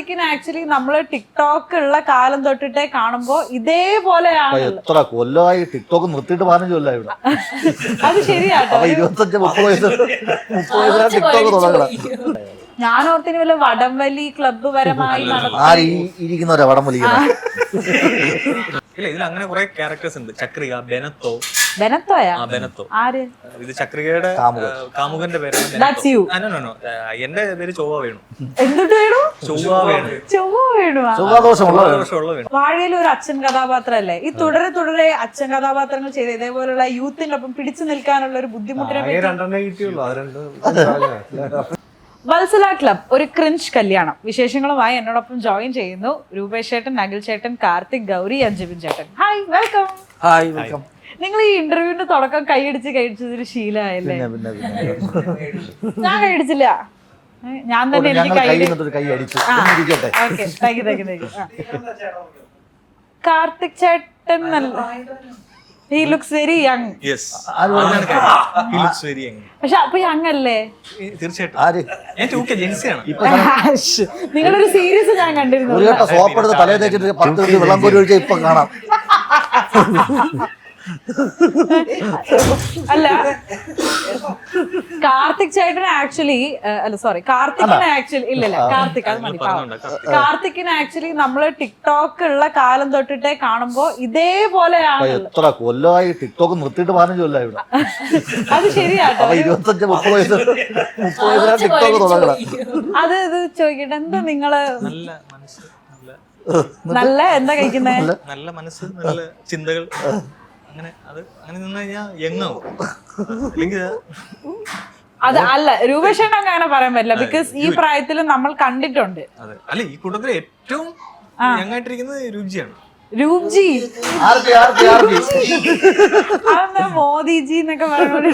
കാർത്തിക്കിന് actually നമ്മള് TikTok ഉള്ള കാലം തൊട്ടിട്ടേ കാണുമ്പോ ഇതേപോലെയാണ്. എത്ര കൊല്ലമായി ടിക്ടോക്ക് നിർത്തിയിട്ട് 15 കൊല്ലമായി ഇവിടെ. അത് ശരിയാട്ടോ. 25-30 വയസ്സ് ടിക്ടോക്ക് തുടങ്ങണം. ഞാൻ ഓർത്തിന് വല്ല വടംവലി ക്ലബ്ബ് പരമായി ഇരിക്കുന്നവരാ വടം വലിക്കുന്നത്. ഇല്ല, ഇതിൽ അങ്ങനെ കുറെ ക്യാരക്ടേഴ്സ് ഉണ്ട്. ചക്രിക, ബെനത്തോ. ബെനത്തോയാ? ബെനത്തോ. ആര്? ഇത് ചക്രികയുടെ കാമുകന്റെ പേരാണ്. എന്റെ പേര് ചൊവ്വ വേണു. എന്തുട്ട് വേണു? ചൊവ്വ വേണു. ചൊവ്വ വേണു. വാഴയിൽ ഒരു അച്ഛൻ കഥാപാത്രം അല്ലേ? ഈ തുടരെ തുടരെ അച്ഛൻ കഥാപാത്രങ്ങൾ ചെയ്ത് ഇതേപോലുള്ള യൂത്തിനൊപ്പം പിടിച്ചു നിൽക്കാനുള്ള ഒരു ബുദ്ധിമുട്ടിനെ വത്സല ക്ലബ് ഒരു ക്രിഞ്ച് കല്യാണം വിശേഷങ്ങളുമായി എന്നോടൊപ്പം ജോയിൻ ചെയ്യുന്നു രൂപേഷ് ചേട്ടൻ, അഖിൽ ചേട്ടൻ, കാർത്തിക്, ഗൗരി, അഞ്ജബിൻ ചേട്ടൻ. Hi, welcome. Hi, welcome. നിങ്ങൾ ഈ ഇന്റർവ്യൂവിന്റെ തുടക്കം കൈയടിച്ചതൊരു ശീലമായല്ലേ? ഞാൻ കൈയടിച്ചില്ല, ഞാൻ തന്നെ എനിക്ക് കാർത്തിക് ചേട്ടൻ നല്ല. He looks very young. Yes. He looks very young. പക്ഷെ അപ്പൊ യങ് അല്ലേ? തീർച്ചയായിട്ടും. നിങ്ങളൊരു സീരീസ് ഞാൻ കണ്ടിരുന്നു. സോപ്പ് എടുത്ത് തലേ തേച്ചിട്ട് 10 മിനിറ്റ് വെള്ളം കോരി ഒഴിച്ചാൽ ഇപ്പൊ കാണാം. അല്ല, കാർത്തിക് ചേട്ടന് ആക്ച്വലി കാർത്തിക്കിന് ആക്ച്വലി ഇല്ലല്ല കാർത്തിക് അത് മതി. കാർത്തിക്കിന് ആക്ച്വലി നമ്മള് ടിക്ടോക്ക് ഉള്ള കാലം തൊട്ടിട്ടേ കാണുമ്പോ ഇതേപോലെയാണ്. എത്ര കൊല്ലമായി ടിക്ടോക്ക് നിർത്തിയിട്ട് 15 കൊല്ലമായി ഇവിടെ. അത് ശരിയാട്ടോ. 25-30 വയസ്സ് ടിക്ടോക്ക് തുടങ്ങണം. അത് ഇത് ചോദിക്കട്ടെ, എന്താ നിങ്ങള് നല്ല എന്താ കഴിക്കുന്നേ? നല്ല മനസ്സ്, നല്ല ചിന്തകൾ, അങ്ങനെ നിന്ന് കഴിഞ്ഞാൽ യങ്ങാവും. അത് അല്ല, രൂപേഷേട്ടൻ അങ്ങനെ പറയാൻ പറ്റില്ല. ബിക്കോസ് ഈ പ്രായത്തിൽ നമ്മൾ കണ്ടിട്ടുണ്ട്. അല്ല, ഈ കൂട്ടത്തിൽ ഏറ്റവും യങ്ങായിട്ടിരിക്കുന്നത് രൂപ്ജിയാണ്. രൂപ്ജി അതെന്താ മോദിജി എന്നൊക്കെ പറയുന്നത്?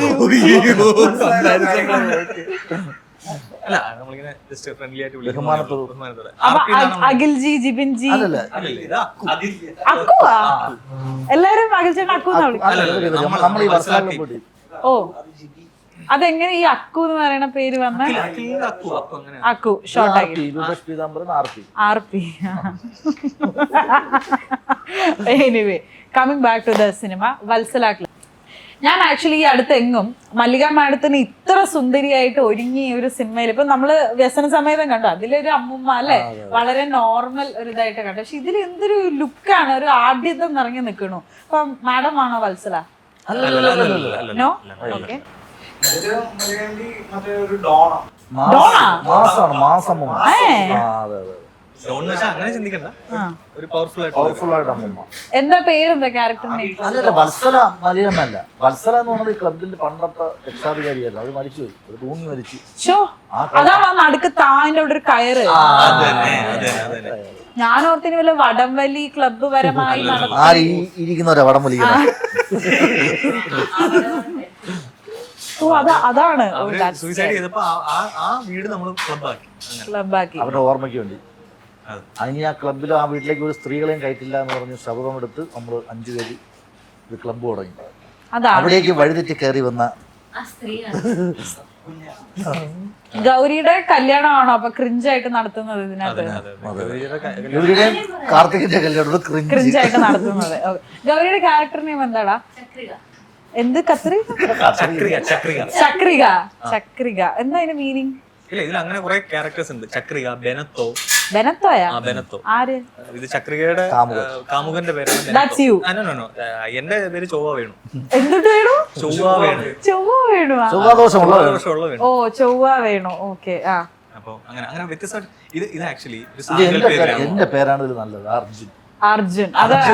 അല്ല, നമ്മളിങ്ങനെ ജസ്റ്റ് ഫ്രണ്ട്ലി ആയിട്ട് വിളിക്കും. അഖിൽജി, ജിബിൻജി, അക്കുവാ? എല്ലാരും അഖിൽ ചേട്ടൻ അക്കുന്നാ വിളിക്കുന്നത്. ഓ, അതെങ്ങനെ ഈ അക്കു എന്ന് പറയുന്ന പേര് വന്ന? അക്കു ഷോർട്ടാക്കി RP. Anyway, coming back to the cinema Valsala club. ഞാൻ ആക്ച്വലി ഈ അടുത്തെങ്ങും മല്ലിക മാഡത്തിന് ഇത്ര സുന്ദരിയായിട്ട് ഒരുങ്ങി ഒരു സിനിമയിൽ ഇപ്പൊ നമ്മള് വ്യസന സമേതം കണ്ടു, അതിലൊരു അമ്മുമ്മ അല്ലെ, വളരെ നോർമൽ ഒരു ഇതായിട്ട് കണ്ടു. പക്ഷെ ഇതിൽ എന്തൊരു ലുക്കാണ്, ഒരു ആഢ്യത്വം നിറഞ്ഞു നിൽക്കണു. അപ്പൊ മാഡം ആണോ വത്സല? നോ. ഓക്കെ. അങ്ങനെ ചിന്തിക്കണ്ട, ഒരു പവർഫുൾ ആയിട്ട്. എന്താ പേരെന്താ ക്യാരക്ടറിന്റെ? വത്സല മലയാളമല്ല. വത്സല എന്ന് പറഞ്ഞത് ക്ലബിന്റെ പണ്ടത്തെ രക്ഷാധികാരിയല്ല, അത് മരിച്ചുപോയി, ഒരു തൂങ്ങി മരിച്ചു. അതാണ് നടുക്ക് താന്റെ ഒരു കയറ്. ഞാൻ ഓർത്തിന് വല്ല വടംവലി ക്ലബ്ബ് പരമായി ഇരിക്കുന്നവരാ വടം വലിക്കുന്നത്. അതാണ് സൂയിസൈഡ് ചെയ്തപ്പോ ആ വീട് നമ്മൾ ക്ലബ്ബാക്കി അവരുടെ ഓർമ്മയ്ക്ക് വേണ്ടി. അതിന് ആ ക്ലബിൽ ആ വീട്ടിലേക്ക് ഒരു സ്ത്രീകളെയും കയറ്റില്ല എന്ന് പറഞ്ഞ് ശബ്ദമെടുത്ത് നമ്മൾ 5 പേര് ഒരു ക്ലബ്ബ് തുടങ്ങി. അവിടേക്ക് വഴിതെറ്റി കയറി വന്ന ഗൗരിയുടെ കല്യാണമാണോ അപ്പൊ ക്രിഞ്ചായിട്ട് നടത്തുന്നത് ഇതിനകത്ത്? ഗൗരിയുടെയും കാർത്തികിന്റെ കല്യാണം ക്രിഞ്ചായിട്ട് നടത്തുന്നത്. ഗൗരിയുടെ ക്യാരക്ടർ നെയിം എന്താടാ? എന്ത്? ചക്രിക എന്താ അതിന്റെ മീനിങ്? ഇല്ല, ഇതിൽ അങ്ങനെ കുറെ ക്യാരക്ടേഴ്സ് ഉണ്ട്. ചക്രിക, ബെനത്തോ. ബെനത്തോയാ? ബെനത്തോ. ആര്? ഇത് ചക്രികയുടെ കാമുകന്റെ പേരാണ്. എന്റെ പേര് ചൊവ്വ വേണു. എന്തുട്ട് വേണു? ചൊവ്വ വേണു. ചൊവ്വ വേണു. ഓ, ചൊവ്വ വേണു. ഓക്കെ. അപ്പൊ അങ്ങനെ വ്യത്യസ്തമായിട്ട് ഇത് ആക്ച്വലി എന്റെ പേരാണ് ഇത് നല്ലത്, അർജുൻ. അർജുൻ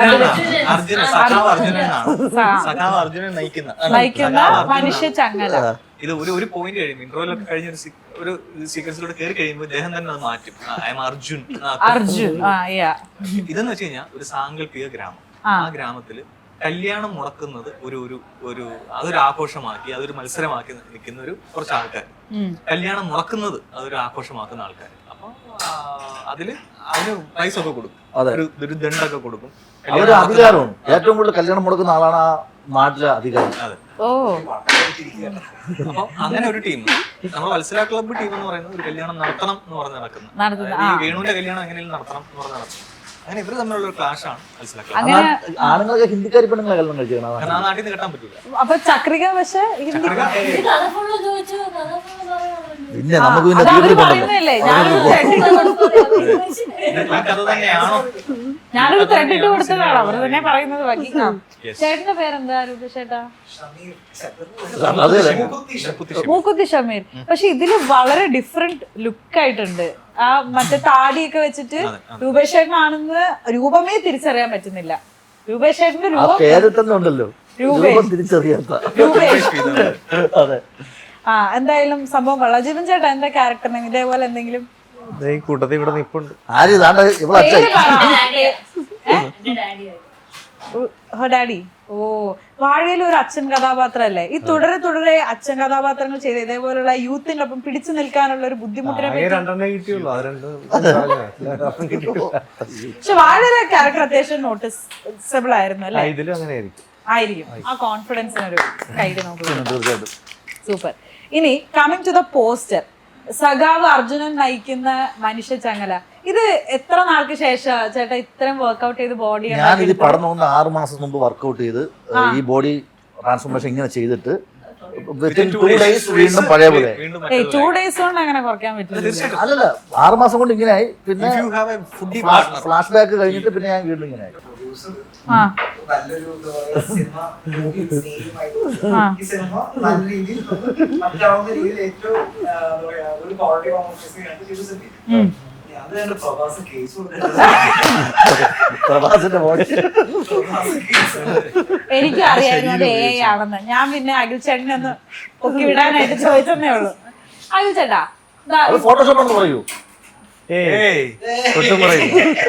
അർജുനൻ നയിക്കുന്ന മനുഷ്യ ചങ്ങല. ഇത് ഒരു പോയിന്റ് കഴിയുമ്പോൾ ഇന്റർവ്യൂലൊക്കെ കഴിഞ്ഞ ഒരു സീക്വൻസിലൂടെ കയറി കഴിയുമ്പോൾ അദ്ദേഹം തന്നെ അത് മാറ്റും. I'm Arjun. ഇതെന്ന് വെച്ച് കഴിഞ്ഞാൽ ഒരു സാങ്കല്പിക ഗ്രാമം. ആ ഗ്രാമത്തില് കല്യാണം മുടക്കുന്നത് അതൊരു ആഘോഷമാക്കി, അതൊരു മത്സരമാക്കി നിൽക്കുന്ന കുറച്ച് ആൾക്കാർ. കല്യാണം മുടക്കുന്നത് അതൊരു ആഘോഷമാക്കുന്ന ആൾക്കാർ. അപ്പൊ അതിന് പ്രൈസ് ഒക്കെ കൊടുക്കും, ഒരു ദണ്ടൊക്കെ കൊടുക്കും. അധികാരമാണ് ഏറ്റവും കൂടുതൽ കല്യാണം മുടക്കുന്ന ആളാണ് ആ നാട്ടിലെ അധികാരി. ഓ, അപ്പൊ അങ്ങനെ ഒരു ടീം, നമ്മൾ വത്സല ക്ലബ്ബ് ടീം എന്ന് പറയുന്നത് ഒരു കല്യാണം നടത്തണം എന്ന് പറഞ്ഞ് നടക്കുന്നത്. ഈ വേണുവിന്റെ കല്യാണം എങ്ങനെയും നടത്തണം എന്ന് പറഞ്ഞ് നടത്തുന്നത്. അങ്ങനെ ഇവര് തമ്മിലുള്ള ഒരു ക്ലാഷ് ആണ് മത്സല ക്ലബ്ബ്. ആണുങ്ങളൊക്കെ ഹിന്ദിക്കാരി പെണ്ണുങ്ങളെ കല്യാണം കഴിക്കണം, കാരണം ആ നാട്ടിൽ നിന്ന് കെട്ടാൻ പറ്റില്ല. അപ്പൊ ചക്രിക പക്ഷെ പിന്നെ നമുക്ക് പിന്നെ പറയുന്നല്ലേ ഞാനൊരു ത്രെഡിട്ട് കൊടുത്തതാണ് അവർ തന്നെ പറയുന്നത്. ബാക്കി ചേട്ടന്റെ പേരെന്താ രൂപേഷേട്ടാ? മൂക്കുത്തി ഷമീർ. പക്ഷെ ഇതില് വളരെ ഡിഫറെന്റ് ലുക്ക് ആയിട്ടുണ്ട്. ആ മറ്റേ താടിയൊക്കെ വെച്ചിട്ട് രൂപേഷേട്ടനാണെന്ന് രൂപമേ തിരിച്ചറിയാൻ പറ്റുന്നില്ല. രൂപേഷേട്ടന്റെ രൂപം പേര് തന്നെ ഉണ്ടല്ലോ, രൂപം തിരിച്ചറിയാത്ത. അതെ. ആ എന്തായാലും സംഭവം കൊള്ളാം. ജീവൻ ചേട്ടാ എന്താ ക്യാരക്ടറിന് ഇതേപോലെ എന്തെങ്കിലും കൂട്ടത്തിൽ ഇവിടെ നിപ്പുണ്ട്. ആര് ഇതാണ്ട് ഇവിടെ അച്ഛൻ ഡാഡി. ഓ, വാഴയിൽ ഒരു അച്ഛൻ കഥാപാത്രമല്ലേ? ഈ തുടരെ തുടരെ അച്ഛൻ കഥാപാത്രങ്ങൾ ചെയ്ത് ഇതേപോലുള്ള യൂത്തിന്റെ ഒപ്പം പിടിച്ചു നിൽക്കാനുള്ള ഒരു ബുദ്ധിമുട്ടിനെ പക്ഷെ വാഴയിലെ ക്യാരക്ടർ അത്യാവശ്യം നോട്ടീസബിൾ ആയിരുന്നു അല്ലേ? ഇതിലും അങ്ങനെ ആയിരിക്കും. ആ കോൺഫിഡൻസിനൊരു കൈഡ് നോക്കുക. സൂപ്പർ. ഇനി കമ്മിങ് ടു ദ പോസ്റ്റർ, സഖാവ് അർജുനൻ നയിക്കുന്ന മനുഷ്യ ചങ്ങല. ഇത് എത്ര നാൾക്ക് ശേഷം ചേട്ടാ ഇത്രയും വർക്ക്ഔട്ട് ചെയ്ത് ബോഡി? ഞാൻ ഇത് പടം നോക്കുന്ന 6 മാസം മുമ്പ് വർക്ക്ഔട്ട് ചെയ്ത് ഈ ബോഡി ട്രാൻസ്ഫോർമേഷൻ ഇങ്ങനെ ചെയ്തിട്ട് വിത്തിൻ 2 days വീണ്ടും പഴയ പോലെ. 2 days കൊണ്ട് അങ്ങനെ കുറയ്ക്കാൻ പറ്റില്ല. അല്ലല്ല, 6 മാസം കൊണ്ട് ഇങ്ങനെ ആയി. പിന്നെ ഫ്ലാഷ് ബാക്ക് കഴിഞ്ഞിട്ട് പിന്നെ ഞാൻ വീണ്ടും ഇങ്ങനെ ആയി. നല്ലൊരു സിനിമ ഈ സിനിമ നല്ല രീതിയിൽ മറ്റാവുന്ന രീതിയിൽ ഏറ്റവും ഒരു ക്വാളിറ്റി പ്രഭാസിന്റെ ബോഡി എനിക്കും അറിയായിരുന്നു അത് AI ആണെന്ന്. ഞാൻ പിന്നെ അഖിൽ ചേട്ടനെ ഒന്ന് പൊക്കി വിടാനായിട്ട് ചോദിച്ചതേ ഉള്ളൂ. അഖിൽ ചേട്ടാ ഫോട്ടോഷോപ്പ് എന്ന് പറയൂ. ഒട്ടും പറയും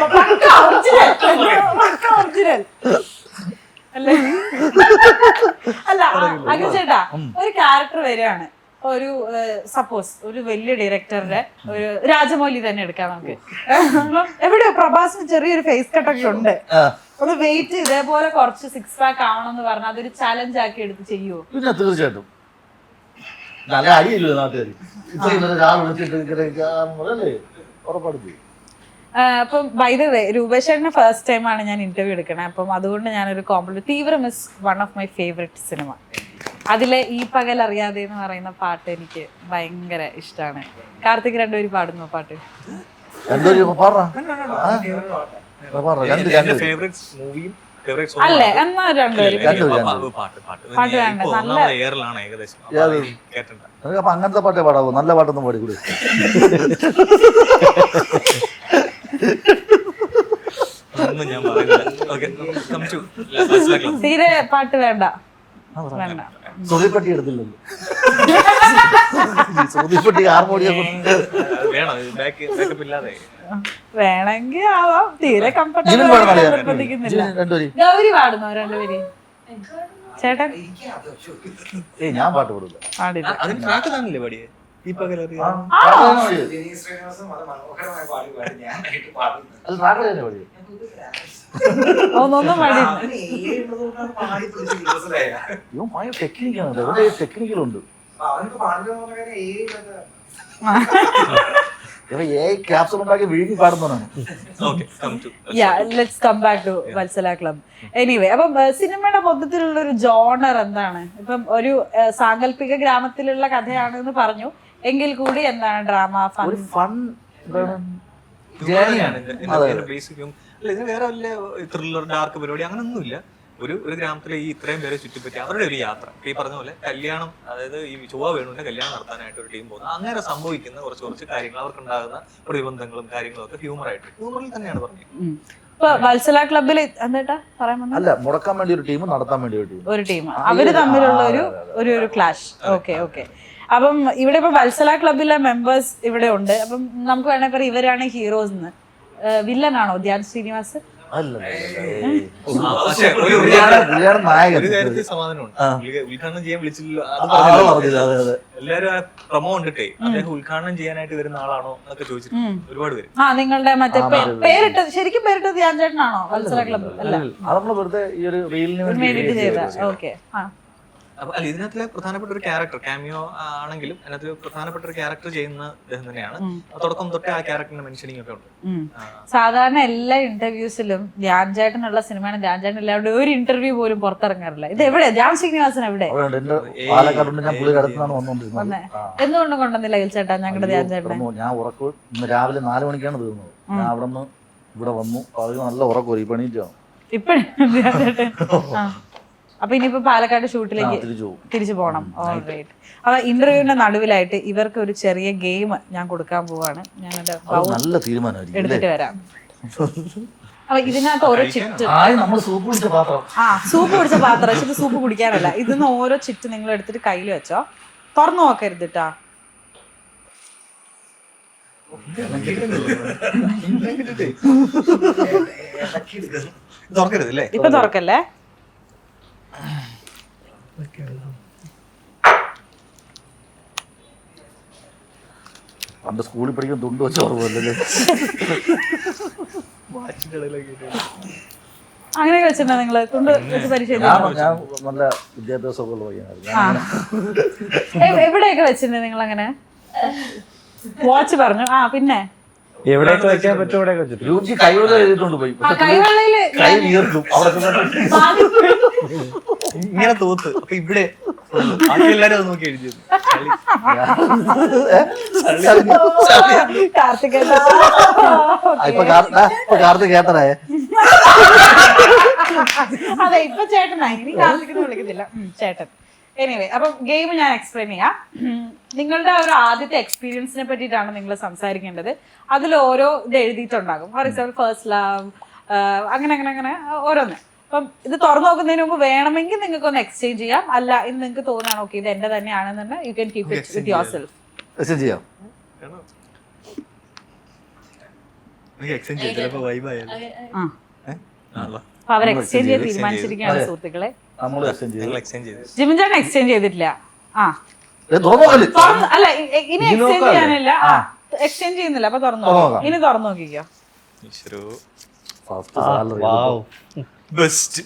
അല്ല അഖിൽ ചേട്ടാ, ഒരു ക്യാരക്ടർ വരികയാണ്. ഒരു സപ്പോസ് ഒരു വലിയ ഡയറക്ടറുടെ ഒരു രാജമൗലി തന്നെ എടുക്കാം നമുക്ക്. എവിടെയോ പ്രഭാസിന് ചെറിയൊരു ഫേസ് കട്ടൊക്കെ ഉണ്ട്. ഒന്ന് വെയിറ്റ് ഇതേപോലെ കുറച്ച് 6 pack ആവണമെന്ന് പറഞ്ഞാൽ അതൊരു ചലഞ്ച് ആക്കി എടുത്ത് ചെയ്യുമോ? പിന്നെ തീർച്ചയായിട്ടും. നല്ല അടിയില്ലോ നാട്ടുകാർ ഉറപ്പാടും. അപ്പം ബൈ ദ വേ രൂപേഷേട്ടന് ഫസ്റ്റ് ടൈമാണ് ഞാൻ ഇന്റർവ്യൂ എടുക്കണേ. അപ്പം അതുകൊണ്ട് ഞാനൊരു compliment. Theevram is one of my favourite cinema. അതിലെ ഈ പകൽ അറിയാതെ എന്ന് പറയുന്ന പാട്ട് എനിക്ക് ഭയങ്കര ഇഷ്ടമാണ്. കാർത്തിക് രണ്ടുപേരും പാടുന്നു പാട്ട്. അല്ലേ? എന്നാ രണ്ടുപേരും പാട്ട് വേണ്ട. നല്ല അപ്പൊ അങ്ങനത്തെ പാട്ടേ പാടാവൂ, നല്ല പാട്ടൊന്നും പാടിക്കൂടെ? തീരെ പാട്ട് വേണ്ട. വേണ്ട. സുതിപ്പെട്ടി എടുത്തില്ലല്ലോ. സുതിപ്പെട്ടി ഹാർമോണിയം വേണമെങ്കിൽ ആവാം. തീരെ കംഫർട്ടബിൾ നിർബന്ധിക്കുന്നില്ല. ഗൗരി പാടുന്നോ രണ്ടുപേര്? ചേട്ടൻ ഞാൻ പാട്ട് പാടില്ല. പാടില്ല. ഒന്നും പാടില്ല. ടെക്നിക്കലുണ്ട്. ക്യാപ്സൂൾ ഉണ്ടാക്കി വീട്ടിൽ പാടുന്നതാണ്. Let's come back to Valsala club. Anyway, അപ്പം സിനിമയുടെ മൊത്തത്തിലുള്ള ഒരു ജോണർ എന്താണ്? ഇപ്പം ഒരു സാങ്കല്പിക ഗ്രാമത്തിലുള്ള കഥയാണെന്ന് പറഞ്ഞു, എങ്കിൽ കൂടി എന്താണ് ഡ്രാമ, ഫൺ ഇതിന് വേറെ വല്ല ത്രില്ലർ ഡാർക്ക് പരിപാടി അങ്ങനൊന്നുമില്ല. ഒരു ഗ്രാമത്തിലെ ഈ ഇത്രയും പേരെ ചുറ്റിപ്പറ്റി അവരുടെ ഒരു യാത്ര. ഈ പറഞ്ഞ പോലെ കല്യാണം, അതായത് ഈ ചൊവ്വ വേണുവിന്റെ കല്യാണം നടത്താനായിട്ട് ഒരു ടീം പോകുന്നത്. അങ്ങനെ സംഭവിക്കുന്ന കുറച്ച് കാര്യങ്ങൾ, അവർക്കുണ്ടാകുന്ന പ്രതിബന്ധങ്ങളും കാര്യങ്ങളും ഒക്കെ ഹ്യൂമറിൽ തന്നെയാണ് പറഞ്ഞത്. വത്സല ക്ലബിൽ എന്താ പറയാൻ? അല്ല, മുടക്കാൻ വേണ്ടി ഒരു ടീം, നടത്താൻ വേണ്ടി ഒരു ടീം, അവര് തമ്മിലുള്ള ഒരു ക്ലാഷ്. Okay okay. അപ്പം ഇവിടെ ഇപ്പൊ വത്സല ക്ലബിലെ മെമ്പേഴ്സ് ഇവിടെ ഉണ്ട്. അപ്പം നമുക്ക് വേണമെങ്കിൽ പറയാം ഇവരാണ് ഹീറോസ് എന്ന്. വില്ലനാണോ ധ്യാൻ ശ്രീനിവാസ്? ഉദ്ഘാടനം ചെയ്യാൻ വിളിച്ചില്ല. എല്ലാരും പ്രൊമോ കണ്ടിട്ടേ അദ്ദേഹം ഉദ്ഘാടനം ചെയ്യാനായിട്ട് വരുന്ന ആളാണോ എന്നൊക്കെ ചോദിച്ചിട്ട് ഒരുപാട് പേര്. നിങ്ങളുടെ മറ്റേ പേരിട്ടത് ശരിക്കും പേരിട്ടത് ധ്യാൻ ചേട്ടനാണോ? വത്സല ക്ലബ് അല്ല, വെറുതെ ഈ ഒരു റീലിന് വേണ്ടിട്ട് ചെയ്ത. ഓക്കെ. അപ്പൊ അല്ല ഇതിനകത്തിലെ പ്രധാനപ്പെട്ട ഒരു ക്യാരക്ടർ ക്യാമിയോ ആണെങ്കിലും അതിനകത്ത് പ്രധാനപ്പെട്ട ഒരു ക്യാരക്ടർ ചെയ്യുന്ന അദ്ദേഹം തന്നെയാണ്. തുടക്കം തൊട്ടേ ആ ക്യാരക്ടറിന്റെ മെൻഷനിങ് ഒക്കെ ഉണ്ട്. സാധാരണ എല്ലാ ഇന്റർവ്യൂസിലും ധ്യാൻ ചേട്ടനുള്ള സിനിമയാണ് ധ്യാൻ ചേട്ടൻ എല്ലാവരുടെ ഒരു ഇന്റർവ്യൂ പോലും പുറത്തിറങ്ങാറില്ല. ഇത് എവിടെ ധ്യാൻ ശ്രീനിവാസൻ എവിടെ പാലക്കാടുണ്ട്, ഞാൻ പുള്ളി അടുത്താണ് വന്നോണ്ടിരുന്നത്. എന്തുകൊണ്ടും കൊണ്ടുവന്നില്ല അഖിൽ ചേട്ടാ ഞങ്ങളുടെ ധ്യാൻ ചേട്ടനെ? ഞാൻ ഉറക്കം ഇന്ന് രാവിലെ 4 മണിക്കാണ് തീർന്നത്. ഞാൻ അവിടെ നിന്ന് ഇവിടെ വന്നു. അത് നല്ല ഉറക്കം ഈ പണിയിട്ടാണ് ഇപ്പഴും ധ്യാൻ ചേട്ടൻ. അപ്പൊ ഇനിയിപ്പോ പാലക്കാട് ഷൂട്ടിലേക്ക് തിരിച്ചു പോകണം. ഓൾറൈറ്റ്. അപ്പൊ ഇന്റർവ്യൂവിന്റെ നടുവിലായിട്ട് ഇവർക്ക് ഒരു ചെറിയ ഗെയിം ഞാൻ കൊടുക്കാൻ പോവാണ്. ഞാൻ നല്ല തീരുമാനമായിരിക്കും എടുത്തിട്ട് വരാം. അപ്പൊ ഇതിനകത്ത് ഓരോ ചിറ്റ്, സൂപ്പ് കുടിച്ച പാത്രം, സൂപ്പ് കുടിച്ച പാത്രം. പക്ഷെ ഇത് സൂപ്പ് കുടിക്കാനല്ല. ഇതിന്ന് ഓരോ ചിറ്റ് നിങ്ങൾ എടുത്തിട്ട് കയ്യിൽ വെച്ചോ. തുറന്നു നോക്കരുത് ട്ടാ. ഇപ്പൊ തുറക്കല്ലേ. പണ്ട് സ്കൂളിൽ പഠിക്കാൻ തുണ്ട് വെച്ച ഓർമ്മല്ലേ? അങ്ങനെയൊക്കെ വെച്ചിട്ടുണ്ടോ നിങ്ങള്? തുണ്ട് വെച്ച് പരിശീലിച്ചു? ഞാൻ നല്ല വിദ്യാഭ്യാസമൊക്കെ ഉള്ള പയ്യനായിരുന്നു. എവിടെയൊക്കെ വെച്ചിട്ടുണ്ട് നിങ്ങൾ അങ്ങനെ? വാച്ച് പറഞ്ഞു. പിന്നെ എവിടെയൊക്കെ വെക്കാൻ പറ്റും അവിടെയൊക്കെ വെച്ചിട്ട് രുചി കൈവെള്ള എഴുതിട്ടുണ്ട് പോയി. കൈവെള്ളയില് കൈ വീർക്കും അവിടെ. ഇങ്ങനെ തോത്ത്. അപ്പൊ ഇവിടെ എല്ലാരും അത് നോക്കി എഴുതിയത്. കാർത്തികേട്ടാ ഇപ്പൊ കാർത്തിക് കേട്ടനായ. അതെ ഇപ്പൊ ചേട്ടനായി. ഇനി കാർത്തിക് വിളിക്കുന്നില്ല, ചേട്ടൻ. എനിവേ, അപ്പം ഗെയിം ഞാൻ എക്സ്പ്ലെയിൻ ചെയ്യാം. നിങ്ങളുടെ ഒരു ആദ്യത്തെ എക്സ്പീരിയൻസിനെ പറ്റിയിട്ടാണ് നിങ്ങൾ സംസാരിക്കേണ്ടത്. അതിൽ ഓരോ ഇത് എഴുതിയിട്ടുണ്ടാകും. ഫോർ എക്സാമ്പിൾ ഫസ്റ്റ് ലവ്, അങ്ങനെ അങ്ങനെ അങ്ങനെ ഓരോന്ന്. അപ്പം ഇത് തുറന്നു നോക്കുന്നതിന് മുമ്പ് വേണമെങ്കിൽ നിങ്ങൾക്ക് ഒന്ന് എക്സ്ചേഞ്ച് ചെയ്യാം. അല്ല ഇത് നിങ്ങൾക്ക് തോന്നുകയാണ് ഓക്കെ ഇത് എന്റെ തന്നെയാണെന്നുണ്ട്, you can keep it with yourself. ചെയ്യാം. അവർ എക്സ്ചേഞ്ച് ചെയ്ത് തീരുമാനിച്ചിരിക്കുകയാണ് സുഹൃത്തുക്കളെ. ജിമിൻ ചേട്ടൻ എക്സ്ചേഞ്ച് ചെയ്തിട്ടില്ല. അല്ല ഇനി എക്സ്ചേഞ്ച് ചെയ്യാനില്ല. എക്സ്ചേഞ്ച് ചെയ്യുന്നില്ല. അപ്പൊ തുറന്നു നോക്കാം. ഇനി തുറന്നു നോക്കിക്കോ. ബെസ്റ്റ്.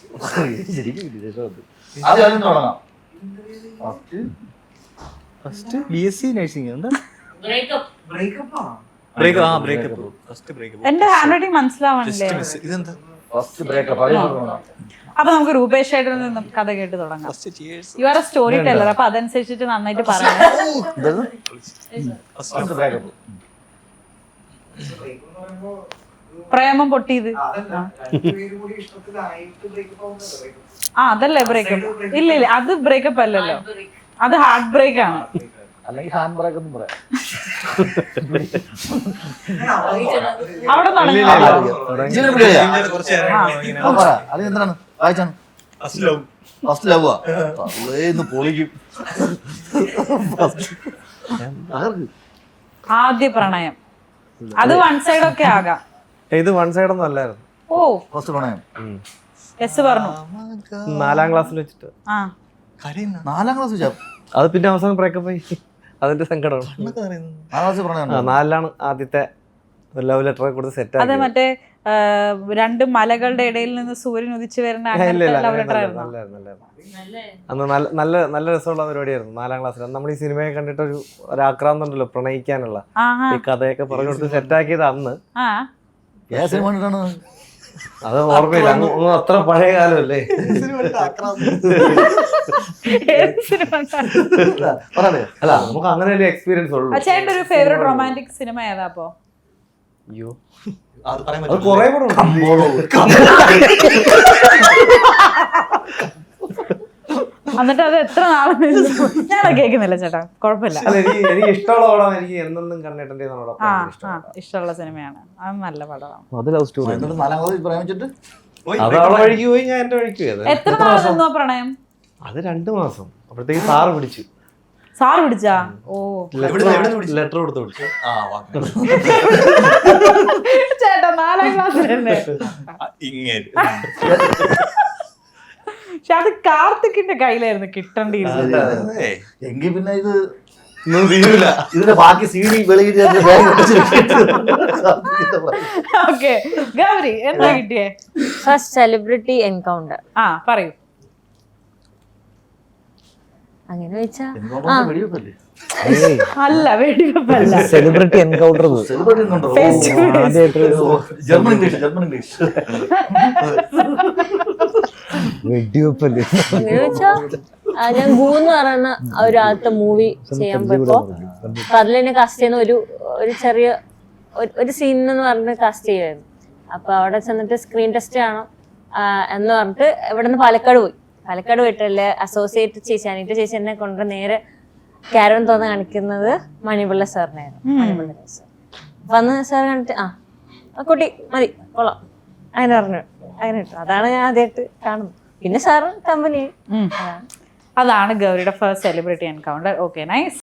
First BSc nursing. എന്താ എന്റെ ഹാൻഡ് റൈറ്റിംഗ് മനസ്സിലാവണില്ലേ? ഇതെന്താ? അപ്പൊ നമുക്ക് രൂപേഷ് ചേട്ടനിൽ നിന്നും കഥ കേട്ട് തുടങ്ങാം. You are a story teller. അപ്പൊ അതനുസരിച്ചിട്ട് നന്നായിട്ട് പറയാം. പ്രേമം പൊട്ടിയത് അതല്ലേ ബ്രേക്കപ്പ്? ഇല്ല ഇല്ല, അത് ബ്രേക്കപ്പ് അല്ലല്ലോ, അത് ഹാർട്ട് ബ്രേക്ക് ആണ്. അല്ലെങ്കിൽ ഹാൻഡ് ബ്രേക്ക് ഒന്നും പറയാം. അവിടെ എന്താണ് വായിച്ചാണ് ഫസ്റ്റ് ലവ് പൊളിക്കും. ആദ്യ പ്രണയം അത് വൺ സൈഡ് ഒക്കെ ആകാം. ഇത് വൺ സൈഡ് ഒന്നും അല്ലായിരുന്നു. ഓ ഫസ്റ്റ് പ്രണയം യെസ് പറഞ്ഞു. 4ാം ക്ലാസ്സിൽ വെച്ചിട്ട്. 4ാം ക്ലാസ് വെച്ചാ അത് പിന്നെ അവസാനം ബ്രേക്കപ്പ് ആയി. അതിന്റെ സങ്കടമാണ്. 4ലാണ് ആദ്യത്തെ ലവ് ലെറ്റർ കൊടുത്ത് സെറ്റ് അത് മറ്റേ 2 മലകളുടെ ഇടയിൽ നിന്ന് സൂര്യൻ ഉദിച്ചു വരുന്ന ലവ് ലെറ്റർ ആയിരുന്നു. അന്ന് നല്ല രസമുള്ള പരിപാടിയായിരുന്നു 4ാം ക്ലാസ്സിൽ. നമ്മൾ ഈ സിനിമയെ കണ്ടിട്ട് ഒരു ആക്രാന്തം ഉണ്ടല്ലോ പ്രണയിക്കാനുള്ള, ഈ കഥയൊക്കെ പറഞ്ഞു കൊടുത്ത് സെറ്റാക്കിയത് അന്ന്. അത് ഓർമ്മയില്ല, ഒന്നും അത്ര പഴയ കാലമല്ലേ. അല്ല നമുക്ക് അങ്ങനെ ഒരു എക്സ്പീരിയൻസ് ഉള്ളൂ. ചേട്ടൻ്റെ ഒരു ഫേവറേറ്റ് റൊമാൻറ്റിക് സിനിമ ഏതാ അപ്പോ? അയ്യോ അത് കൊറേ കൂടെ എന്നിട്ട് അത് എത്ര നാളെ ഞാനത് കേൾക്കുന്നില്ല ചേട്ടാ, കുഴപ്പമില്ല. എനിക്ക് ഇഷ്ടമുള്ള പടം എനിക്ക് എന്നെന്നും കണ്ടിട്ടുണ്ട്. ഇഷ്ടമുള്ള സിനിമയാണ് അത്, നല്ല പടമാണ്. അത് ലവ് സ്റ്റോറി. അത് അവളെ വഴിക്ക് പോയി, ഞാൻ എന്റെ വഴിക്ക് പോയി. എത്ര നാളെന്നോ പ്രണയം? അത് 2 മാസം. അപ്പോഴത്തേക്ക് സാറ് പിടിച്ചു. സാറ് പിടിച്ചാ? ഓ ലെറ്റർ കൊടുത്ത് പിടിച്ചു. ചേട്ടാ 4ാം ക്ലാസ്സിലല്ലേ? പക്ഷെ അത് കാർത്തിക്കിന്റെ കയ്യിലായിരുന്നു കിട്ടേണ്ടിയിരുന്നത്. എങ്കിൽ പിന്നെ ഇത് ഇതിന്റെ ബാക്കി CD വെളിയിട്ട് ഓക്കെ ഗൗരി എന്താ കിട്ടിയേ? First celebrity encounter. പറയൂ. അങ്ങനെ ചോദിച്ചാ വെടിവെപ്പല്ലേ അല്ല വെടിവെപ്പല്ല. സെലിബ്രിറ്റി എൻകൗണ്ടർ സെലിബ്രിറ്റി ഉണ്ടോ? ജർമ്മൻ ഇംഗ്ലീഷ് വെടിവെപ്പല്ലേ. അങ്ങനെ ചോദിച്ചാ ഞാൻ ഗൂ എന്ന് പറയുന്ന ഒരു ആദ്യത്തെ മൂവി ചെയ്യാൻ പോയപ്പോ അപ്പൊ അതിൽ എന്നെ കാസ്റ്റ് ചെയ്യുന്ന ഒരു ചെറിയ ഒരു സീൻ എന്ന് പറഞ്ഞിട്ട് കാസ്റ്റ് ചെയ്യുമായിരുന്നു. അപ്പൊ അവിടെ ചെന്നിട്ട് സ്ക്രീൻ ടെസ്റ്റ് ആണോ എന്ന് പറഞ്ഞിട്ട് ഇവിടെ നിന്ന് പാലക്കാട് പോയിട്ടല്ലേ അസോസിയേറ്റ് ചേച്ചി അനീറ്റ ചേച്ചി എന്നെ കൊണ്ട് നേരെ കാരവൻ തോന്ന കാണിക്കുന്നത് മണിപിള്ള സാറിനായിരുന്നു. മണിപിള്ള സാർ അപ്പൊ അന്ന് സാർ കണ്ടിട്ട് ആ കുട്ടി മതി കൊള്ളാം അങ്ങനെ പറഞ്ഞു. അങ്ങനെ ഇട്ടു. അതാണ് ഞാൻ ആദ്യമായിട്ട് കാണുന്നത്. പിന്നെ സാറ് കമ്പനി അതാണ് ഗൗരിയുടെ first celebrity encounter. Okay, nice.